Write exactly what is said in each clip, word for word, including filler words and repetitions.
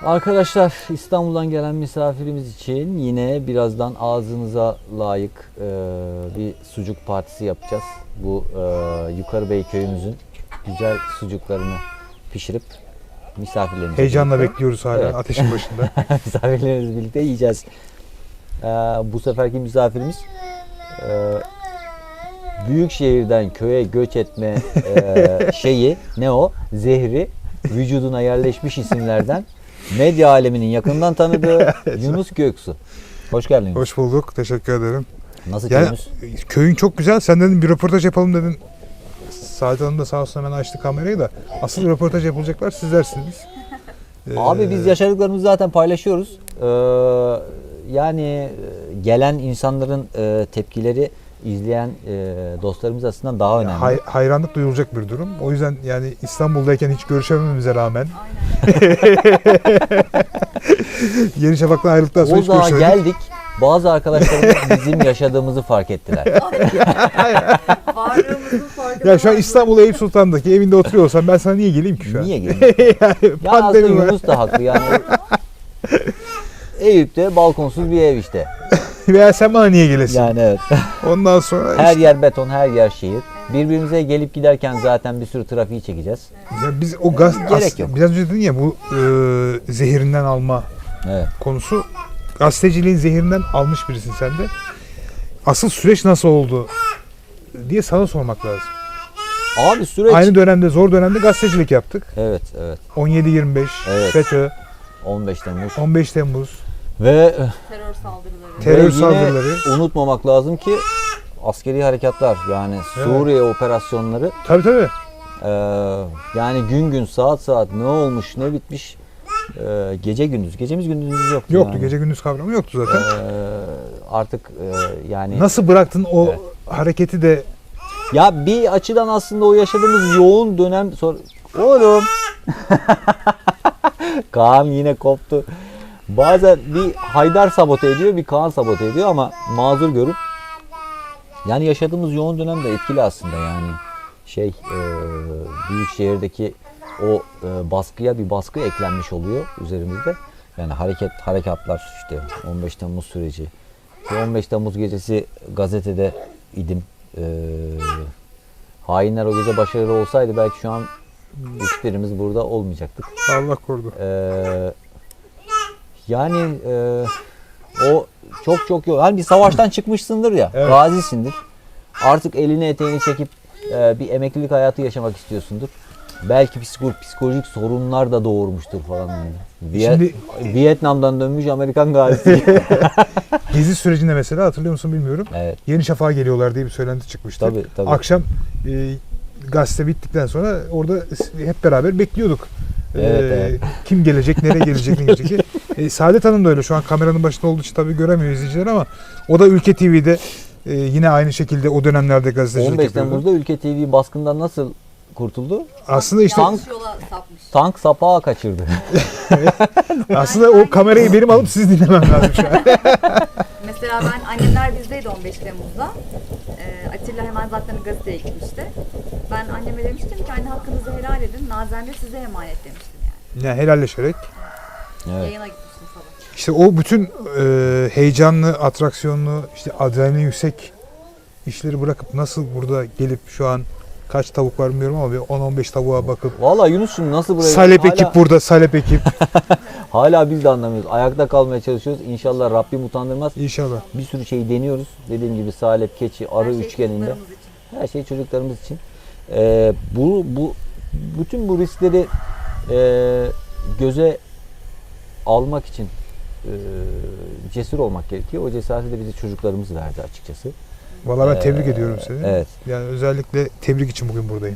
Arkadaşlar, İstanbul'dan gelen misafirimiz için yine birazdan ağzınıza layık e, bir sucuk partisi yapacağız. Bu e, Yukarıbey köyümüzün güzel sucuklarını pişirip misafirlerimize Heyecanla birlikte, bekliyoruz hala evet. ateşin başında. misafirlerimizle birlikte yiyeceğiz. E, bu seferki misafirimiz e, büyük şehirden köye göç etme e, şeyi ne o? Zehri vücuduna yerleşmiş isimlerden medya aleminin yakından tanıdığı Yunus Göksu. Hoş geldin. Hoş bulduk. Teşekkür ederim. Nasıl Yani, köyümüz? köyün çok güzel. Sen dedin bir röportaj yapalım dedin. Saadet Hanım da sağ olsun hemen açtı kamerayı da. Asıl röportaj yapılacaklar sizlersiniz. Ee, Abi biz yaşadıklarımızı zaten paylaşıyoruz. Ee, yani gelen insanların e, tepkileri izleyen e, dostlarımız açısından daha önemli. hay- hayranlık duyulacak bir durum. O yüzden yani İstanbul'dayken hiç görüşemememize rağmen Yeni Şafak'tan ayrıldıktan sonra hiç Uludağ'a görüşemedik. geldik. Bazı arkadaşlarımız bizim yaşadığımızızı fark ettiler. Varlığımızın farkında. Ya şu an İstanbul Eyüp Sultan'daki evinde oturuyor olsam ben sana niye geleyim ki şu an? Niye geliyor? yani Ya aslında pandemi var. Yunus da haklı yani. Eyüp'te balkonsuz bir ev işte. Veya sen bana niye gelesin? Yani evet. Ondan sonra Her işte, yer beton, her yer şehir. Birbirimize gelip giderken zaten bir sürü trafiği çekeceğiz. ya biz o gaz Gerek as- yok. biraz önce dedin ya bu e, zehirinden alma Evet. konusu, gazeteciliğin zehirinden almış birisin sen de. Asıl süreç nasıl oldu diye sana sormak lazım. Abi süreç... Aynı dönemde, zor dönemde gazetecilik yaptık. Evet, evet. on yedi yirmi beş, Evet. FETÖ, on beş Temmuz. on beş Temmuz, Ve, Terör saldırıları. Terör ve yine saldırıları. unutmamak lazım ki askeri harekatlar yani Evet. Suriye operasyonları Tabii tabii. e, yani gün gün saat saat ne olmuş ne bitmiş e, gece gündüz. Gecemiz gündüzümüz yoktu. Yoktu, yani. gece gündüz kavramı yoktu zaten. E, artık e, yani... Nasıl bıraktın o Evet. hareketi de? Ya bir açıdan aslında o yaşadığımız yoğun dönem sonra... Oğlum! Kaan yine koptu. Bazen bir Haydar sabote ediyor, bir Kaan sabote ediyor ama mazur görüp yani yaşadığımız yoğun dönem de etkili aslında yani şey e, büyük şehirdeki o e, baskıya bir baskı eklenmiş oluyor üzerimizde. Yani hareket harekatlar işte on beş Temmuz süreci. on beş Temmuz gecesi gazetede idim. E, hainler o gece başarılı olsaydı belki şu an hiçbirimiz burada olmayacaktık. Allah korudu. Ee, yani e, o çok çok yok. Hani bir savaştan çıkmışsındır ya, Evet. gazisindir. Artık elini eteğini çekip e, bir emeklilik hayatı yaşamak istiyorsundur. Belki psikolojik, psikolojik sorunlar da doğurmuştur falan. Yani. Viet- Şimdi- Vietnam'dan dönmüş Amerikan gazisi. Gezi sürecinde mesela hatırlıyor musun bilmiyorum. Evet. Yeni Şafak'a geliyorlar diye bir söylenti çıkmıştı. Tabii, tabii. Akşam e, gazete bittikten sonra orada hep beraber bekliyorduk. Evet, E, evet. Kim gelecek, nereye gelecek, ne gelecek diye. E, Saadet Hanım da öyle. Şu an kameranın başında olduğu için tabii göremiyor izleyiciler ama o da Ülke T V'de e, yine aynı şekilde o dönemlerde gazetecilik on beş yapıyordu. Temmuz'da Ülke T V baskından nasıl kurtuldu? Aslında işte Tank- Yanlış yola sapmış. Tank sapağı kaçırdı. aslında o kamerayı benim alıp siz dinlemem lazım şu an. Mesela ben annemler bizdeydi on beş Temmuz'da. Ee, Atilla hemen zaten gazeteye gitmişti. Ben anneme demiştim ki anne hakkınızı helal edin. Nazen de size emanet demiştim yani. Yani helalleşerek. Evet. Yayına gitmiştim sabah. İşte o bütün e, heyecanlı, atraksiyonlu, işte adrenalin yüksek işleri bırakıp nasıl burada gelip şu an kaç tavuk var bilmiyorum ama bir on on beş tavuğa bakıp Vallahi Yunus'cum nasıl buraya... Salep hala- ekip burada, Salep ekip Hala biz de anlamıyoruz. Ayakta kalmaya çalışıyoruz. İnşallah Rabbim utandırmaz. inşallah. Bir sürü şeyi deniyoruz. Dediğim gibi salep, keçi, arı Her şey üçgeninde. çocuklarımız için. Her şey çocuklarımız için. Ee, bu, bu bütün bu riskleri e, göze almak için e, cesur olmak gerekiyor. O cesareti de bize çocuklarımız verdi açıkçası. Vallahi ben Ee, tebrik ediyorum seni. Evet. Yani özellikle tebrik için bugün buradayım.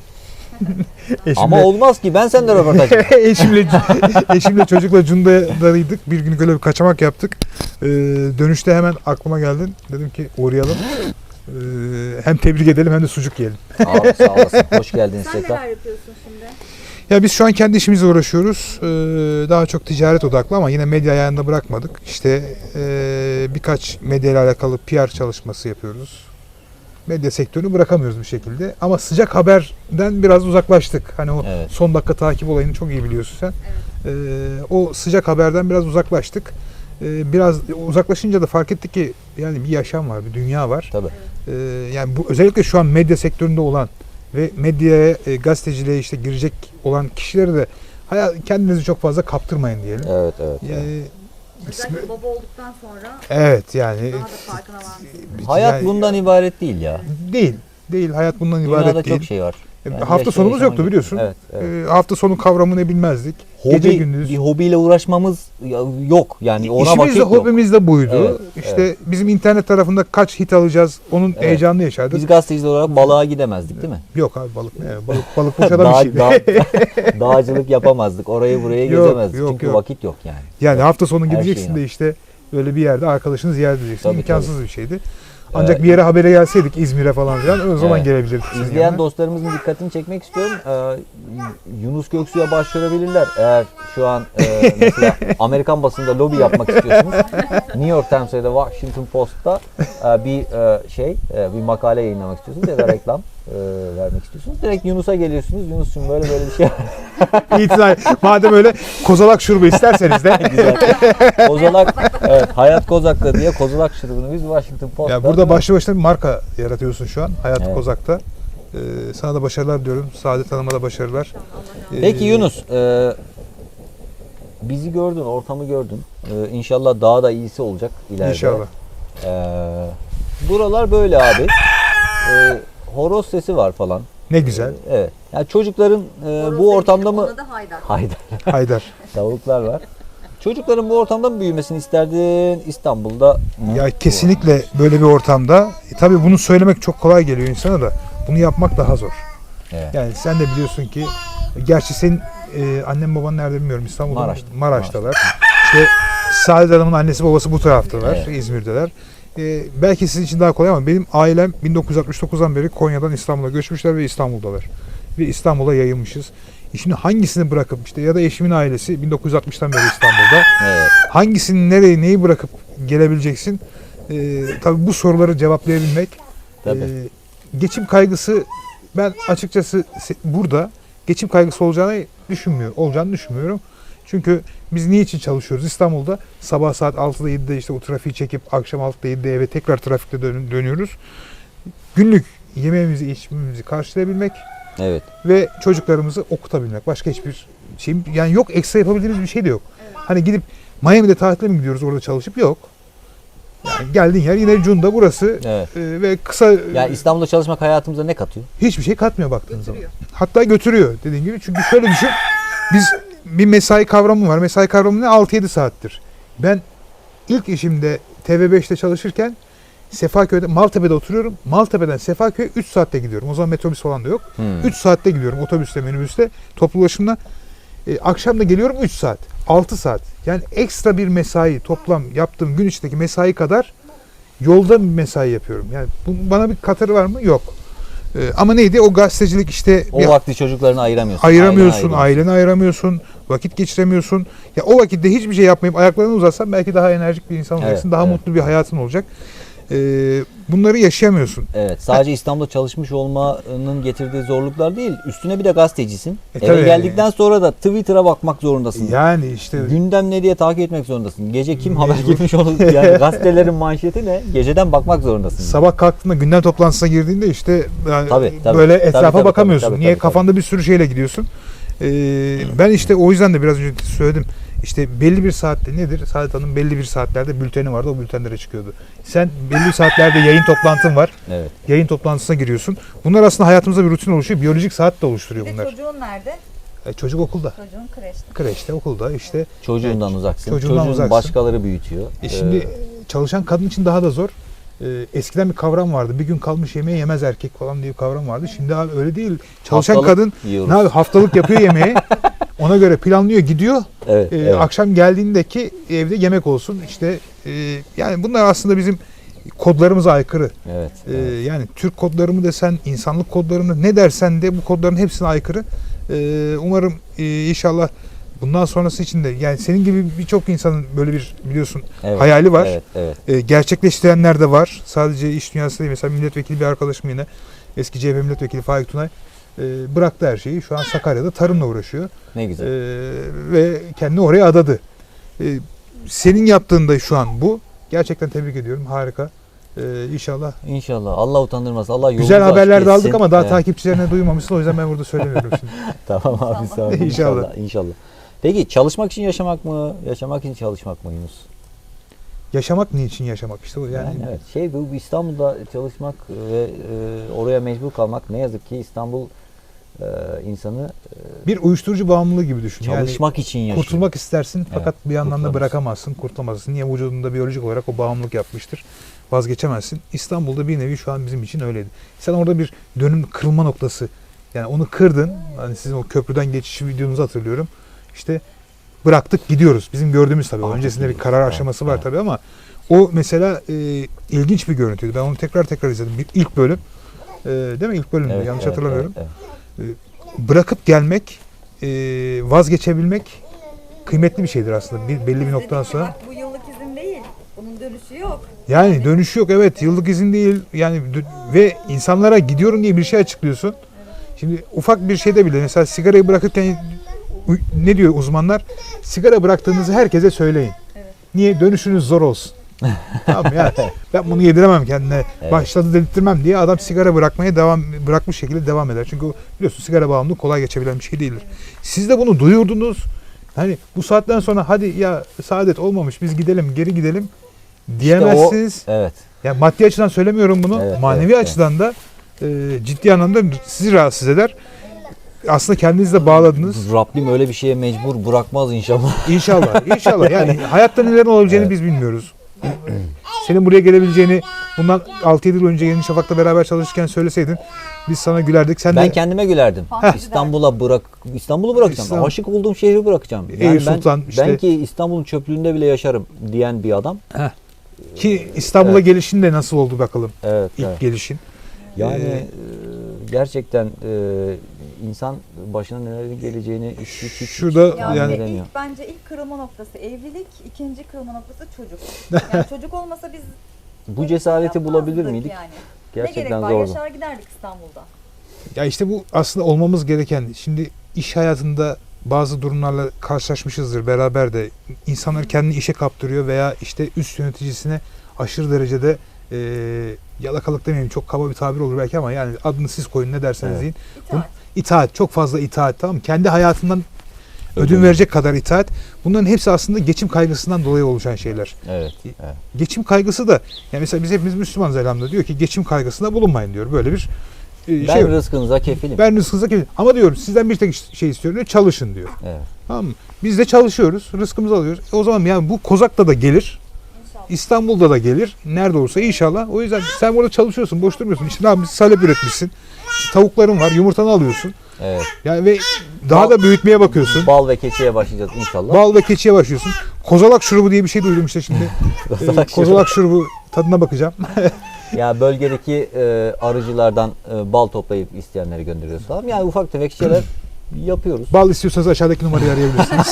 Ama olmaz ki ben senden röportaj yapayım. eşimle, eşimle çocukla Cunda'daydık. Bir gün öyle bir kaçamak yaptık. Ee, dönüşte hemen aklıma geldin. Dedim ki uğrayalım. Ee, hem tebrik edelim hem de sucuk yiyelim. Abi sağ olasın. Hoş geldiniz Sen tekrar. neler yapıyorsun şimdi? Ya biz şu an kendi işimizle uğraşıyoruz. Ee, daha çok ticaret odaklı ama yine medya ayağında bırakmadık. İşte ee, birkaç medya ile alakalı P R çalışması yapıyoruz. medya sektörünü bırakamıyoruz bir şekilde. Ama sıcak haberden biraz uzaklaştık. Hani o Evet. son dakika takip olayını çok iyi biliyorsun sen. Ee, o sıcak haberden biraz uzaklaştık. Ee, biraz uzaklaşınca da fark ettik ki yani bir yaşam var, bir dünya var. Tabii. Ee, yani bu özellikle şu an medya sektöründe olan ve medyaya, e, gazeteciliğe işte girecek olan kişileri de hayal, kendinizi çok fazla kaptırmayın diyelim. Evet, evet. Yani Özellikle baba olduktan sonra evet yani daha da farkına varmışsınız. Hayat yani- bundan ibaret değil ya. değil. Değil. Hayat bundan Dünyada ibaret çok değil. şey var. Yani hafta yaşa- sonumuz yaşaman yoktu gerekiyor. biliyorsun. Evet, evet. Ee, hafta sonu kavramını bilmezdik. Gece Hobi, gündüz. bir hobiyle uğraşmamız ya- yok. Yani ona İşimiz vakit de yok. hobimiz de buydu. Evet, işte bizim internet tarafında kaç hit alacağız onun Evet. heyecanını yaşardık. Biz gazeteciler olarak balığa gidemezdik değil mi? Yok abi balık ne? ya? Balık balık boş adam Dağ- işi. dağ- dağcılık yapamazdık. Orayı buraya Yok, gezemezdik. yok, Çünkü yok. vakit yok yani. Yani hafta sonu Her gideceksin şey de işte öyle bir yerde arkadaşını ziyaret edeceksin. Tabii, İmkansız bir şeydi. Ancak Ee, bir yere habere gelseydik İzmir'e falan filan o zaman Evet. gelebilirdik. sizin İzleyen yanına. dostlarımızın dikkatini çekmek istiyorum. Ee, Yunus Göksu'ya başvurabilirler. Eğer şu an e, mesela Amerikan basında lobi yapmak istiyorsunuz. New York Times'da ya da Washington Post'ta e, bir e, şey, e, bir makale yayınlamak istiyorsunuz ya da reklam e, vermek istiyorsunuz. Direkt Yunus'a geliyorsunuz. Yunus'cum böyle böyle bir şey var. İtiraz. Madem öyle kozalak şurubu isterseniz de. Güzel. Kozalak, evet, Hayat Kozak'ta diye Kozalak şurubunu biz Washington Post'ta. Ya burada başlı başına bir marka yaratıyorsun şu an Hayat Evet. Kozak'ta. Ee, sana da başarılar diyorum. Saadet Hanım'a da başarılar. Ee, Peki Yunus, e, bizi gördün, ortamı gördün. E, inşallah daha da iyisi olacak ileride. İnşallah. E, buralar böyle abi. E, horoz sesi var falan. Ne güzel. E, evet. Yani çocukların e, Horoz bu ortamda demeyelim, mı? ona da haydar. Haydar. Haydar. Tavuklar var. Çocukların bu ortamda mı büyümesini isterdin İstanbul'da mı? Ya kesinlikle böyle bir ortamda. E, tabii bunu söylemek çok kolay geliyor insana da bunu yapmak daha zor. Evet. Yani sen de biliyorsun ki gerçi senin e, annen baban nerede bilmiyorum İstanbul'da mı? Maraş'ta. Maraş'talar. İşte Saadet Hanım'ın annesi babası bu taraftalar. Evet. İzmir'deler. E, belki sizin için daha kolay ama benim ailem bin dokuz yüz altmış dokuzdan beri Konya'dan İstanbul'a göçmüşler ve İstanbul'dalar. Ve İstanbul'a yayılmışız. E şimdi hangisini bırakıp işte ya da eşimin ailesi bin dokuz yüz altmıştan beri İstanbul'da. Evet. Hangisini nereye neyi bırakıp gelebileceksin? E, tabii bu soruları cevaplayabilmek. Tabii. e, geçim kaygısı ben açıkçası se- burada geçim kaygısı olacağını düşünmüyor, olacağını düşünmüyorum. Çünkü biz niçin çalışıyoruz? İstanbul'da sabah saat altıda yedide işte o trafiği çekip akşam altıda yedide eve tekrar trafikte dön- dönüyoruz. Günlük yemeğimizi, içmemizi karşılayabilmek Evet. ve çocuklarımızı okutabilmek. Başka hiçbir şey yani yok, ekstra yapabildiğimiz bir şey de yok. Hani gidip Miami'de tatile mi gidiyoruz orada çalışıp yok. Yani geldiğin yer yine Cunda burası Evet. e, ve kısa Yani İstanbul'da çalışmak hayatımıza ne katıyor? hiçbir şey katmıyor baktığın zaman. Götürüyor. Hatta götürüyor dediğin gibi. Çünkü şöyle düşün. Biz bir mesai kavramı var. Mesai kavramı ne? altı yedi saattir. Ben ilk işimde T V beşte çalışırken Sefaköy'de, Maltepe'de oturuyorum. Maltepe'den Sefaköy'e üç saatte gidiyorum. O zaman metrobüs falan da yok. Hmm. üç saatte gidiyorum otobüste, minibüste, toplu ulaşımla. E, akşam da geliyorum üç saat. altı saat. Yani ekstra bir mesai toplam yaptığım gün içindeki mesai kadar yolda bir mesai yapıyorum. Yani bu, bana bir katarı var mı? Yok. E, ama neydi? O gazetecilik işte O bir vakti çocuklarını ayıramıyorsun. ayıramıyorsun, ailene aileni ayıramıyorsun, vakit geçiremiyorsun. Ya o vakitte hiçbir şey yapmayıp ayaklarını uzatsan belki daha enerjik bir insan olacaksın, Evet, daha evet. mutlu bir hayatın olacak. Ee, bunları yaşayamıyorsun. Evet, sadece İstanbul'da çalışmış olmanın getirdiği zorluklar değil. Üstüne bir de gazetecisin. E, Eve tabii. geldikten sonra da Twitter'a bakmak zorundasın. Yani işte Gündem ne diye takip etmek zorundasın. Gece kim haber girmiş onu, yani gazetelerin manşeti ne? Geceden bakmak zorundasın. sabah kalktığında gündem toplantısına girdiğinde işte yani Tabii, tabii. böyle Tabii, etrafa tabii, bakamıyorsun. tabii, tabii, Niye? tabii, Kafanda bir sürü şeyle gidiyorsun. Ee, ben işte o yüzden de biraz önce söyledim. İşte belli bir saatte nedir? Saadet Hanım belli bir saatlerde bülteni vardı. O bültenlere çıkıyordu. Sen belli saatlerde yayın toplantın var. Evet. Yayın toplantısına giriyorsun. Bunlar aslında hayatımızda bir rutin oluşuyor. Biyolojik saat de oluşturuyor Bir de bunlar. çocuğun nerede? E, çocuk okulda. Çocuğun kreşte. Kreşte, okulda işte. Çocuğundan uzaksın. çocuğundan Çocuğun uzaksın. başkaları büyütüyor. E şimdi Ee, çalışan kadın için daha da zor. E, eskiden bir kavram vardı. Bir gün kalmış yemeği yemez erkek falan diye bir kavram vardı. Şimdi abi öyle değil. Çalışan haftalık kadın yiyoruz. ne abi haftalık yapıyor yemeği. Ona göre planlıyor, gidiyor. Evet, E, evet. Akşam geldiğindeki evde yemek olsun. İşte e, yani bunlar aslında bizim kodlarımıza aykırı. Evet. E, evet. yani Türk kodları mı desen, insanlık kodları mı ne dersen de bu kodların hepsine aykırı. E, umarım e, inşallah bundan sonrası için de yani senin gibi birçok insanın böyle bir biliyorsun Evet, hayali var. Evet, evet. E, gerçekleştirenler de var. Sadece iş dünyası değil. Mesela milletvekili bir arkadaşım yine eski C H P milletvekili Faik Tunay e, bıraktı her şeyi. Şu an Sakarya'da tarımla uğraşıyor. Ne güzel. E, ve kendini oraya adadı. E, senin yaptığın da şu an bu. Gerçekten tebrik ediyorum. Harika. E, inşallah. İnşallah. Allah utandırmaz. Allah yolunu Güzel haberler de açık aldık etsin. ama daha Evet. takipçilerine duymamışsın. O yüzden ben burada söylemiyorum şimdi. Tamam abi sağ ol. İnşallah. İnşallah. İnşallah. Peki çalışmak için yaşamak mı? Yaşamak için çalışmak mı Yunus? Yaşamak niçin yaşamak işte o yani. Yani, evet. Şey bu İstanbul'da çalışmak ve e, oraya mecbur kalmak ne yazık ki İstanbul e, insanı Bir uyuşturucu bağımlılığı gibi düşün. çalışmak için Yani yaşıyor. kurtulmak istersin fakat bir yandan da kurtulamazsın. bırakamazsın, kurtulamazsın. Niye? Vücudunda biyolojik olarak o bağımlılık yapmıştır. Vazgeçemezsin. İstanbul'da bir nevi şu an bizim için öyleydi. Sen orada bir dönüm kırılma noktası. Yani onu kırdın. Hani sizin o köprüden geçiş videonuzu hatırlıyorum. İşte bıraktık gidiyoruz. Bizim gördüğümüz tabii. Artık Öncesinde bir gidiyoruz. karar Evet, aşaması var evet. tabii ama o mesela e, ilginç bir görüntüydü. Ben onu tekrar tekrar izledim. Bir, ilk bölüm. E, değil mi? İlk bölümdü. Evet, Yanlış evet, hatırlamıyorum. evet, evet. Bırakıp gelmek, e, vazgeçebilmek kıymetli bir şeydir aslında. Bir, belli bir noktadan sonra. Bak bu yıllık izin değil. Bunun dönüşü yok. Yani dönüşü yok. Evet, yıllık izin değil. Yani dö- ve insanlara gidiyorum diye bir şey açıklıyorsun. Şimdi ufak bir şeyde bile mesela sigarayı bırakırken u- ne diyor uzmanlar? Sigara bıraktığınızı herkese söyleyin. Evet. Niye? Dönüşünüz zor olsun. Tamam yani ben bunu yediremem kendine. Evet. Başladı dedirtmem diye adam sigara bırakmaya devam bırakmış şekilde devam eder. Çünkü o biliyorsun sigara bağımlılığı kolay geçebilen bir şey değildir. Siz de bunu duyurdunuz. Hani bu saatten sonra hadi ya saadet olmamış biz gidelim geri gidelim diyemezsiniz. Evet. Yani maddi açıdan söylemiyorum bunu. Evet, Manevi evet, açıdan da e, ciddi anlamda sizi rahatsız eder. Aslında kendinizi de bağladınız. Rabbim öyle bir şeye mecbur bırakmaz inşallah. İnşallah. İnşallah. Yani hayatta neler olabileceğini Evet. biz bilmiyoruz. Senin buraya gelebileceğini bundan altı yedi yıl önce Yeni Şafak'ta beraber çalışırken söyleseydin biz sana gülerdik. Sen Ben de kendime gülerdim. Fantezi İstanbul'a bırak İstanbul'u bırakacağım. İstanbul. Aşık olduğum şehri bırakacağım. Eyüp Yani ben, Sultan işte. ben ki İstanbul'un çöplüğünde bile yaşarım diyen bir adam. ki İstanbul'a Evet. gelişin de nasıl oldu bakalım. Evet. İlk evet. gelişin. Yani Ee, e, gerçekten e, insan başına nelerin geleceğini hiç hiç hiç, hiç Şurada Yani, tahmin yani- edemiyor. ilk bence ilk kırılma noktası evlilik, ikinci kırılma noktası çocuk. Yani çocuk olmasa biz Bu cesareti bulabilir yapmazdık miydik? yani. Ne gerek Gerçekten var? zordu. Yaşar giderdik İstanbul'da. Ya işte bu aslında olmamız gereken. Şimdi iş hayatında bazı durumlarla karşılaşmışızdır beraber de. İnsanlar kendini işe kaptırıyor veya işte üst yöneticisine aşırı derecede e, yalakalık demeyeyim çok kaba bir tabir olur belki ama yani adını siz koyun ne derseniz Evet. deyin. İtaat. İtaat, çok fazla itaat, tamam mı? Kendi hayatından ödün Ödün. verecek kadar itaat. Bunların hepsi aslında geçim kaygısından dolayı oluşan şeyler. Evet. evet. Geçim kaygısı da yani mesela biz hepimiz Müslümanız elhamdülillah diyor ki geçim kaygısında bulunmayın diyor. Böyle bir e, Ben şey var. rızkınıza kefilim. Ben rızkınıza kefilim. Ama diyor sizden bir tek şey istiyorum diyor. Çalışın diyor. Evet. Tamam mı? Biz de çalışıyoruz. Rızkımızı alıyoruz. E o zaman yani bu Kozak'ta da gelir. İnşallah. İstanbul'da da gelir. Nerede olursa inşallah. O yüzden sen burada çalışıyorsun. Boş durmuyorsun. İşte ne yapmışsın? Salep üretmişsin. İşte tavukların var. Yumurtanı alıyorsun. Evet. Yani ve daha Bal- da büyütmeye bakıyorsun. Bal ve keçiye başlayacağız inşallah. Bal ve keçiye başlıyorsun. Kozalak şurubu diye bir şey duydum işte şimdi. Kozalak Ee, Kozalak şurubu tadına bakacağım. Ya bölgedeki e, arıcılardan e, bal toplayıp isteyenleri gönderiyoruz falan. Yani ufak tefek şeyler yapıyoruz. Bal istiyorsanız aşağıdaki numarayı arayabilirsiniz.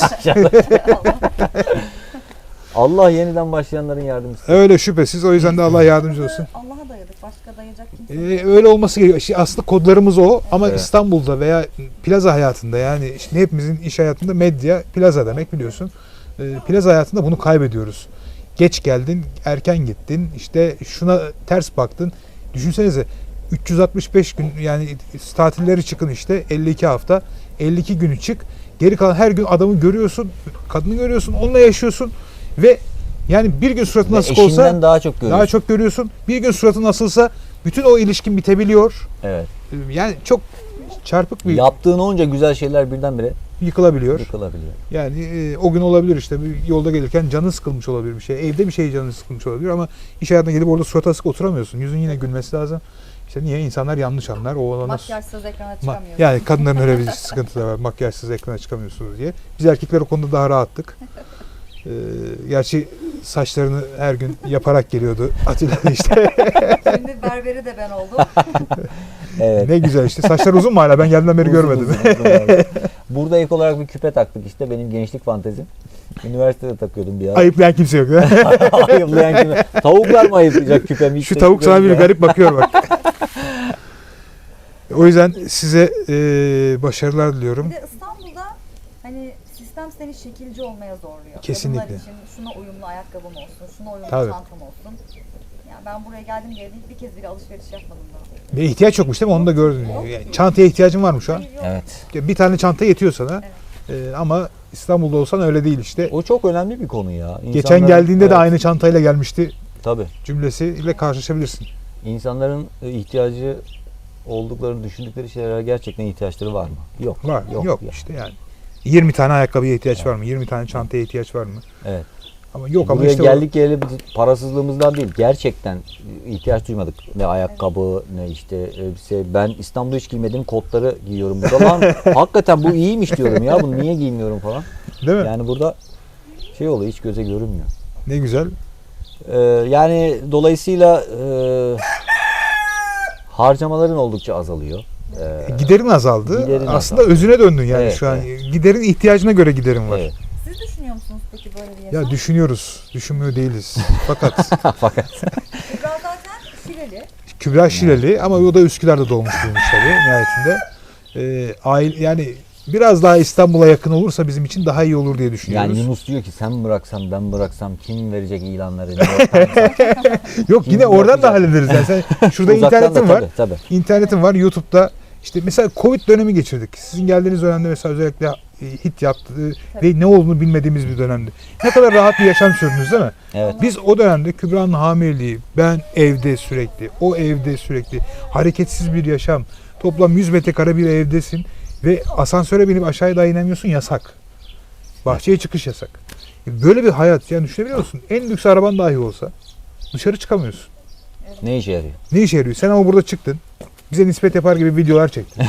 Allah yeniden başlayanların yardımcısı. Öyle şüphesiz. O yüzden de Allah yardımcı olsun. Allah'a dayadık. Başka dayayacak kimse. Ee, öyle olması gerekiyor. İşte aslında kodlarımız o ama Evet. İstanbul'da veya plaza hayatında yani işte hepimizin iş hayatında medya plaza demek biliyorsun. Ee, plaza hayatında bunu kaybediyoruz. Geç geldin, erken gittin, işte şuna ters baktın. Düşünsenize üç yüz altmış beş gün yani tatilleri çıkın işte elli iki hafta, elli iki günü çık. Geri kalan her gün adamı görüyorsun, kadını görüyorsun, onunla yaşıyorsun ve yani bir gün suratın Ve asık eşinden olsa daha çok görüyoruz. daha çok görüyorsun. Bir gün suratın asılsa bütün o ilişkin bitebiliyor. Evet. Yani çok çarpık bir Yaptığın onca güzel şeyler birdenbire yıkılabiliyor. yıkılabiliyor. Yani e, o gün olabilir işte bir yolda gelirken canın sıkılmış olabilir bir şey. Evde bir şey canın sıkılmış olabilir ama iş hayatına gelip orada surat asık oturamıyorsun. Yüzün yine gülmesi lazım. İşte niye? İnsanlar yanlış anlar. O olana Makyajsız ekrana Ma- çıkamıyoruz. yani kadınların öyle bir sıkıntı da var. Makyajsız ekrana çıkamıyorsunuz diye. Biz erkekler o konuda daha rahattık. Ee, gerçi saçlarını her gün yaparak geliyordu Atilla işte. Şimdi berberi de ben oldum. Evet. Ne güzel işte. Saçlar uzun mu hala? Ben geldiğimden beri Uzun, görmedim. uzun, uzun abi. Burada ek olarak bir küpe taktık işte benim gençlik fantezim. Üniversitede takıyordum bir ara. Ayıplayan kimse yok. Ayıplayan kimi? Tavuklar mı ayıplayacak küpemi? Şu tavuk sana bir ya. garip bakıyor bak. O yüzden size e, başarılar diliyorum. Bir de İstanbul'da hani sistem seni şekilci olmaya zorluyor. Kesinlikle. Kadınlar için şuna uyumlu ayakkabım olsun, şuna uyumlu Tabii. çantam olsun. Yani ben buraya geldim geldim bir kez bile alışveriş yapmadım daha. Ve ihtiyaç yokmuş değil mi? Onu da gördün. Yani çantaya ihtiyacın var mı şu an? Hayır, yok. Evet. Bir tane çanta yetiyor sana. E, ama İstanbul'da olsan öyle değil işte. O çok önemli bir konu ya. Geçen İnsanların- geldiğinde de Evet, aynı çantayla gelmişti Tabii. cümlesiyle karşılaşabilirsin. İnsanların e, ihtiyacı olduklarını düşündükleri şeylere gerçekten ihtiyaçları var mı? Yok. Var. Yok, Yok ya. işte yani. yirmi tane ayakkabıya ihtiyaç var mı? yirmi tane çantaya ihtiyaç var mı? Evet. Ama yok ama Buraya işte o- geldik geleli biz parasızlığımızdan değil. Gerçekten ihtiyaç duymadık. Ne ayakkabı ne işte elbise. Ben İstanbul'da hiç giymediğim kotları giyiyorum burada. Lan hakikaten bu iyiymiş diyorum ya. Bunu niye giymiyorum falan. değil mi? Yani burada şey oluyor hiç göze görünmüyor. Ne güzel. Ee, yani dolayısıyla e, harcamaların oldukça azalıyor. Ee, Giderin azaldı. Giderin Aslında azaldı. özüne döndün yani Evet, şu an. Giderin ihtiyacına göre giderin var. evet. Siz düşünüyor musunuz peki böyle bir yaşam? Ya düşünüyoruz. Düşünmüyor değiliz. Fakat Fakat Kübra zaten Şileli. Kübra Şileli ama o da Üsküdar'da doğmuş büyümüş tabii nihayetinde. Ee, aile, yani biraz daha İstanbul'a yakın olursa bizim için daha iyi olur diye düşünüyoruz. yani Yunus diyor ki sen bıraksam ben bıraksam kim verecek ilanları? New York Times'a? Yok yine Kim oradan da yapacak? hallederiz. Yani sen, şurada Uzaktan da internetin var. tabii, tabii. İnternetin var. YouTube'da işte mesela Covid dönemi geçirdik. Sizin geldiğiniz dönemde mesela özellikle e, hit yaptı ve ne olduğunu bilmediğimiz bir dönemdi. Ne kadar rahat bir yaşam sürdünüz değil mi? Evet. Biz o dönemde Kübra'nın hamileliği, ben evde sürekli, o evde sürekli, hareketsiz bir yaşam. Toplam yüz metrekare bir evdesin ve asansöre binip aşağıya daha inemiyorsun, yasak. Bahçeye çıkış yasak. Böyle bir hayat yani düşünebiliyor musun? En lüks araban dahi olsa dışarı çıkamıyorsun. Ne işe yarıyor? Ne işe yarıyor? Sen ama burada çıktın. Bize nispet yapar gibi videolar çektin.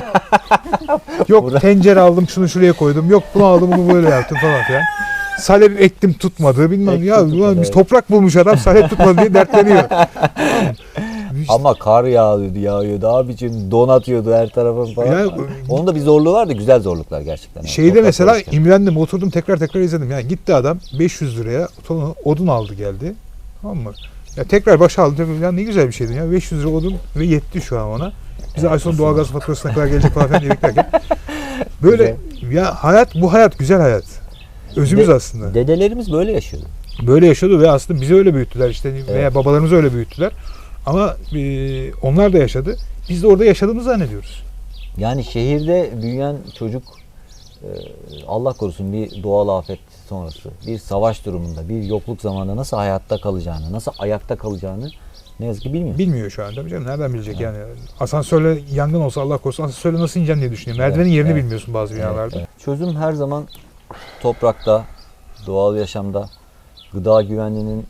Yok Burada- tencere aldım şunu şuraya koydum. Yok bunu aldım bunu böyle yaptım falan filan. Salep ektim tutmadı bilmem Ektim ya tutmadı, ulan biz evet. toprak bulmuş adam salep tutmadı diye dertleniyor. İşte Ama kar yağıyordu, yağıyordu abicim, don atıyordu her tarafa falan. Ya, Onun da bir zorluğu var da güzel zorluklar gerçekten. Yani. şeyde Toprak mesela çalışken. imrendim oturdum tekrar tekrar izledim. Yani gitti adam beş yüz liraya tonu odun aldı geldi. Tamam mı? Ya tekrar başa aldı. Ya ne güzel bir şeydi ya. beş yüz lira odun ve yetti şu an ona. Bize ay sonu doğalgaz faturasına kadar gelecek falan filan diye beklerken. Böyle ya hayat bu hayat güzel hayat. Özümüz De- aslında. Dedelerimiz böyle yaşıyordu. Böyle yaşadı ve aslında bizi öyle büyüttüler işte veya Evet. babalarımızı öyle büyüttüler. Ama e, onlar da yaşadı. Biz de orada yaşadığımızı zannediyoruz. Yani şehirde büyüyen çocuk e, Allah korusun bir doğal afet sonrası, bir savaş durumunda, bir yokluk zamanında nasıl hayatta kalacağını, nasıl ayakta kalacağını ne yazık ki bilmiyor. Bilmiyor şu an tabii canım. Nereden bilecek yani? Asansörle yangın olsa Allah korusun asansörle nasıl ineceksin diye düşünüyor. Merdivenin Evet, yerini evet. bilmiyorsun bazı Evet, binalarda. evet. Çözüm her zaman toprakta, doğal yaşamda, gıda güvenliğinin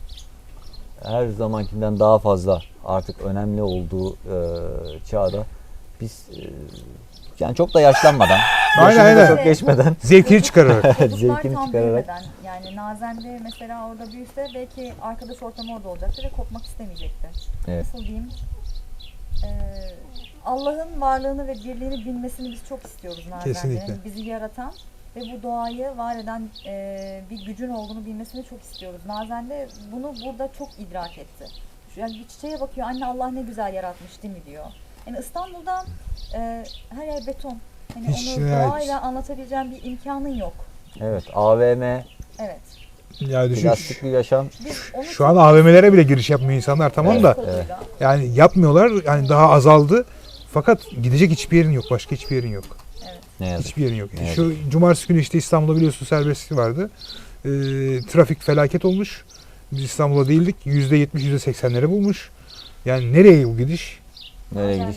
her zamankinden daha fazla artık önemli olduğu e, çağda biz e, yani çok da yaşlanmadan, Aynen, yaşını da aynen. çok geçmeden Zevkini çıkararak. Çocuklar zevkini tam çıkararak büyümeden yani Nazende mesela orada büyüse belki arkadaş ortamı orada olacaktı ve kopmak istemeyecekti. Evet. Nasıl diyeyim? Ee, Allah'ın varlığını ve birliğini bilmesini biz çok istiyoruz Nazende'nin. Kesinlikle. Bizi yaratan ve bu doğayı var eden e, bir gücün olduğunu bilmesini çok istiyoruz. Nazende bunu burada çok idrak etti. Yani bir çiçeğe bakıyor, anne Allah ne güzel yaratmış değil mi diyor. Yani İstanbul'da e, her yer beton. Hani Hiç onu yani- doğayla anlatabileceğin bir imkanın yok. evet A V M, Evet. Ya düşün. plastikli yaşam. Biz onu Şu an A V M'lere bile giriş yapmıyor insanlar tamam Evet, da evet. yani yapmıyorlar. Yani daha azaldı. Fakat gidecek hiçbir yerin yok. Başka hiçbir yerin yok. Ne yazık. Hiçbir yerin yok. Evet. Şu cumartesi günü işte İstanbul'da biliyorsun serbestlik vardı. Ee, trafik felaket olmuş. Biz İstanbul'da değildik. yüzde yetmiş yüzde seksenleri bulmuş. Yani nereye bu gidiş? Nereye gidiş?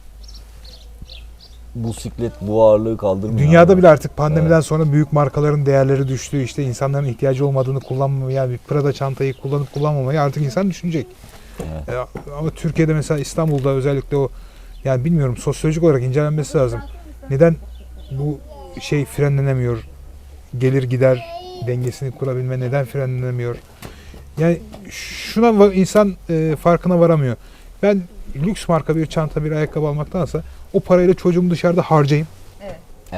Bu siklet bu ağırlığı kaldırmıyor. Dünyada abi. bile artık pandemiden sonra büyük markaların değerleri düştü. İşte insanların ihtiyacı olmadığını kullanmamaya, bir Prada çantayı kullanıp kullanmamayı artık insan düşünecek. Evet. Ee, ama Türkiye'de mesela İstanbul'da özellikle o yani bilmiyorum sosyolojik olarak incelenmesi lazım. Neden bu şey frenlenemiyor? Gelir gider dengesini kurabilme neden frenlenemiyor? Yani şuna va- insan e, farkına varamıyor. Ben lüks marka bir çanta bir ayakkabı almaktansa o parayla çocuğumu dışarıda harcayayım. Evet. Evet.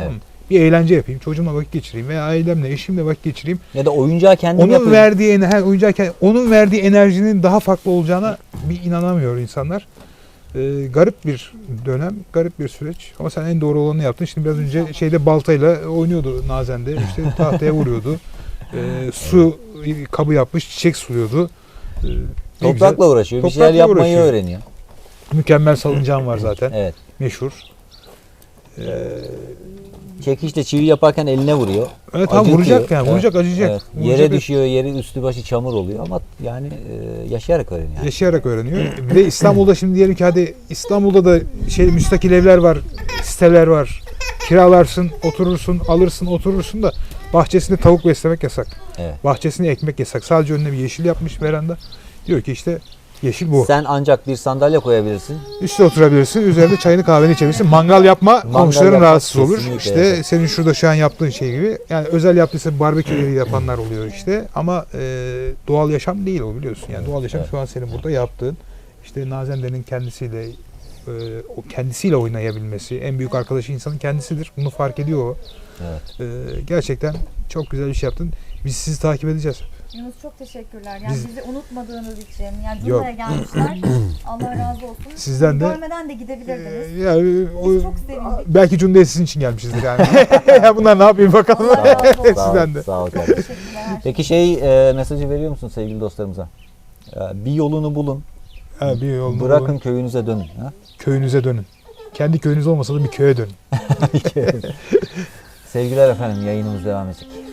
bir eğlence yapayım. Çocuğumla vakit geçireyim veya ailemle, eşimle vakit geçireyim. Ya da oyuncağı kendim Onun yapayım. verdiği ener- oyuncak onun verdiği enerjinin daha farklı olacağına bir inanamıyor insanlar. Ee, garip bir dönem, garip bir süreç. Ama sen en doğru olanı yaptın. Şimdi biraz önce şeyde baltayla oynuyordu Nazen'de. İşte tahtaya vuruyordu. Ee, su kabı yapmış, çiçek suluyordu. Ee, ne Toprakla güzel. uğraşıyor. Bir Toprakla şeyler yapmayı uğraşıyor. öğreniyor. Mükemmel salıncağım var zaten. Evet. Meşhur. Ee, Çekişte çivi yaparken eline vuruyor. evet tam Acıtıyor. vuracak yani. Evet. Vuracak, acıyacak. Evet. Vuracak. Yere düşüyor, yeri üstü başı çamur oluyor ama yani e, yaşayarak öğreniyor. Yani. Yaşayarak öğreniyor. Bir de İstanbul'da şimdi diyelim ki hadi İstanbul'da da şey müstakil evler var, siteler var. Kiralarsın, oturursun, alırsın, oturursun da bahçesinde tavuk beslemek yasak. Evet. Bahçesine ekmek yasak. Sadece önüne bir yeşil yapmış veranda. Diyor ki işte yeşil bu. Sen ancak bir sandalye koyabilirsin. Üste oturabilirsin, üzerinde çayını kahveni içebilirsin. Mangal yapma, Mangal komşuların yapmak rahatsız olur. kesinlikle İşte yasak. senin şurada şu an yaptığın şey gibi. Yani özel yaptıysa barbeküleri yapanlar oluyor işte. Ama e, doğal yaşam değil o biliyorsun. Yani doğal yaşam Evet. şu an senin burada yaptığın. İşte Nazende'nin kendisiyle e, o kendisiyle oynayabilmesi. En büyük arkadaşı insanın kendisidir. Bunu fark ediyor o. Evet. E, gerçekten çok güzel bir şey yaptın. Biz sizi takip edeceğiz. Yunus çok teşekkürler. Yani Biz- bizi unutmadığınız için. Yani Yok. buraya gelmişler. Allah razı olsun. Sizden de- Görmeden de gidebilirdiniz. E, yani, o, Biz çok sevindik. belki Cunda'ya sizin için gelmişizdir yani. Ya bunlar ne yapayım bakalım. Allah razı olsun. Sağ ol, Sizden de. sağ ol kardeşim. Teşekkürler. Peki şey e, mesajı veriyor musun sevgili dostlarımıza? E, bir yolunu bulun. Ha, bir yolunu Bırakın bulun. köyünüze dönün. Ha? Köyünüze dönün. Kendi köyünüz olmasa da bir köye dönün. Sevgiler efendim, yayınımız devam edecek.